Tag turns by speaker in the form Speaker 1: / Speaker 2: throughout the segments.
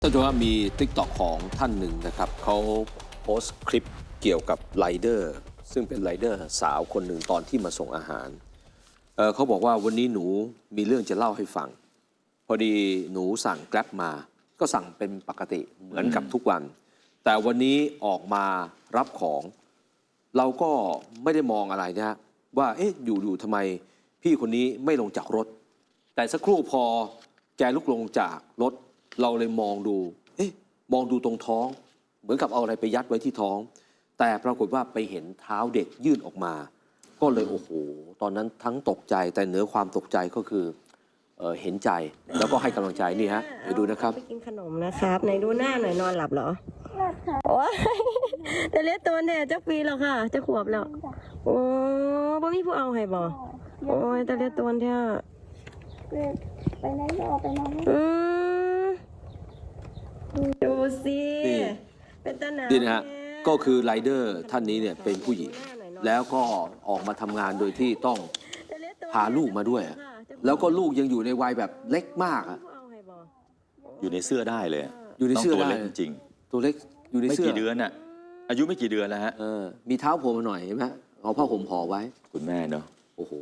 Speaker 1: ท่านผู้ชมครับมี TikTok ของท่านหนึ่งนะครับเขาโพสต์คลิปเกี่ยวกับไรเดอร์ซึ่งเป็นไรเดอร์สาวคนหนึ่งตอนที่มาส่งอาหารเขาบอกว่าวันนี้หนูมีเรื่องจะเล่าให้ฟังพอดีหนูสั่งแกร็บมาก็สั่งเป็นปกติเหมือนกับทุกวันแต่วันนี้ออกมารับของเราก็ไม่ได้มองอะไรนะว่าเอ๊ะอยู่ทำไมพี่คนนี้ไม่ลงจากรถแต่สักครู่พอแกลุกลงจากรถเราเลยมองดูมองดูตรงท้องเหมือนกับเอาอะไรไปยัดไว้ที่ท้องแต่ปรากฏว่าไปเห็นเท้าเด็กยื่นออกมาก็เลยโอ้โหตอนนั้นทั้งตกใจแต่เหนือความตกใจก็คือเห็นใจแล้วก็ให้กำลังใจนี่ฮะเดี๋ยวดูนะครับ
Speaker 2: ไปกินขนมนะครับไหนดูหน้าหน่อยนอนหลับเหรอโอ้ยแต่เล็กตัวเนี่ยจะปีแล้วค่ะจะขวบแล้วโอ้บ่มีผู้เอาให้บ่โอ้ยแต่เล็กตัวเนี่ย
Speaker 3: ไปไหนก็ไปนอน
Speaker 2: ดูสิเป็นตาหนาว
Speaker 1: นี่นะฮะก็คือไรเดอร์ท่านนี้เนี่ยเป็นผู้หญิงแล้วก็ออกมาทำงานโดยที่ต้องพาลูกมาด้วยแล้วก็ลูกยังอยู่ในวัยแบบเล็กมากอะ
Speaker 4: อยู่ในเสื้อได้เลย
Speaker 1: อยู่ในเสื้อได้
Speaker 4: ตัวเล็กจริง
Speaker 1: ตัวเล็กอยู่ในเสื้อ
Speaker 4: ไม่กี่เดือนน่ะอายุไม่กี่เดือนแล้วฮะ
Speaker 1: มีเท้าโผล่มาหน่อยเห็นไหมเอาผ้าห่มห่อไว้
Speaker 4: คุณแม่เนาะ
Speaker 1: โอ้โห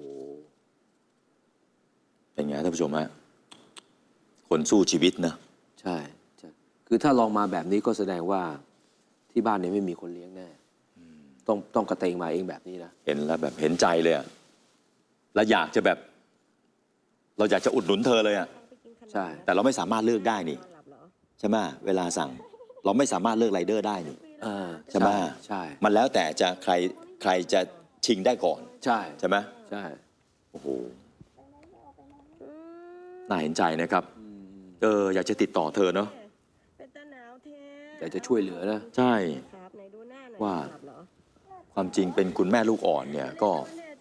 Speaker 4: เป็นไงท่านผู้ชมฮะคนสู้ชีวิตนะ
Speaker 1: ใช่คือถ้าลองมาแบบนี้ก็แสดงว่าที่บ้านเนี่ยไม่มีคนเลี้ยงแน่ต้องกระเตงมาเองแบบนี้นะ
Speaker 4: เห็นแล้วแบบเห็นใจเลยอะแล้วอยากจะแบบเราอยากจะอุดหนุนเธอเลยอะ
Speaker 1: ใช่
Speaker 4: แต่เราไม่สามารถเลือกได้นี่ใช่ไหมเวลาสั่งเราไม่สามารถเลือกไรเดอร์ได้นี่ใช่ไหม
Speaker 1: ใช่
Speaker 4: มันแล้วแต่จะใครจะชิงได้ก่อนใช่ไหม
Speaker 1: ใช่
Speaker 4: โอ้โหน่าเห็นใจนะครับอยากจะติดต่อเธอเนาะ
Speaker 1: อยากจะช่วยเหลือนะ
Speaker 4: ใช่ว่าความจริงเป็นคุณแม่ลูกอ่อนเนี่ยก็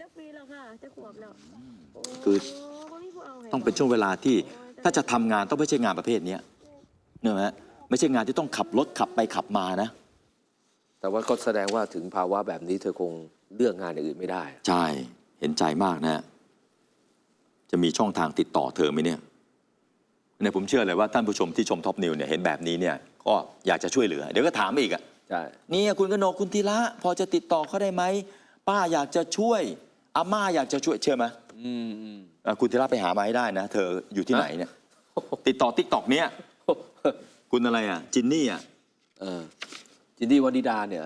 Speaker 4: คือต้องเป็นช่วงเวลาที่ถ้าจะทำงานต้องไม่ใช่งานประเภทนี้เนี่ยฮะไม่ใช่งานที่ต้องขับรถขับไปขับมานะ
Speaker 1: แต่ว่าก็แสดงว่าถึงภาวะแบบนี้เธอคงเลือกงานอย่างอื่นไม่ได้
Speaker 4: ใช่เห็นใจมากนะจะมีช่องทางติดต่อเธอไหมเนี่ยผมเชื่อเลยว่าท่านผู้ชมที่ชมท็อปนิวเนี่ยเห็นแบบนี้เนี่ยก็อยากจะช่วยเหลือเดี๋ยวก็ถามอีกอ่ะ
Speaker 1: ใช่
Speaker 4: นี่คุณกนกคุณธีระพอจะติดต่อเขาได้ไหมป้าอยากจะช่วยอาม่าอยากจะช่วยเชื่อไหมคุณธีระไปหามาให้ได้นะเธออยู่ที่ไหนเนี่ยติดต่อติ๊กต็อกเนี่ยคุณอะไรอ่ะจินนี่อ่ะ
Speaker 1: จินนี่วนิดาเนี่ย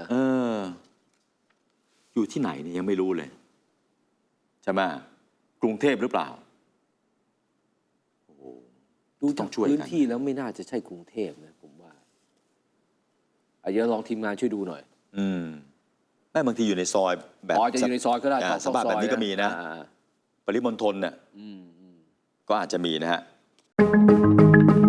Speaker 4: อยู่ที่ไหนเนี่ยยังไม่รู้เลยใช่ไหมกรุงเทพหรือเปล่า
Speaker 1: ดูจากพื้นที่แล้วไม่น่าจะใช่กรุงเทพนะผมว่าเดี๋ยวลองทีมงานช่วยดูหน่อย
Speaker 4: ไม่บางทีอยู่ในซอยแบบ
Speaker 1: จะอยู่ในซอยก็ได้
Speaker 4: สภาพแบบนี้ก็มีนะปริมณฑลเนี่ยก็อาจจะมีนะฮะ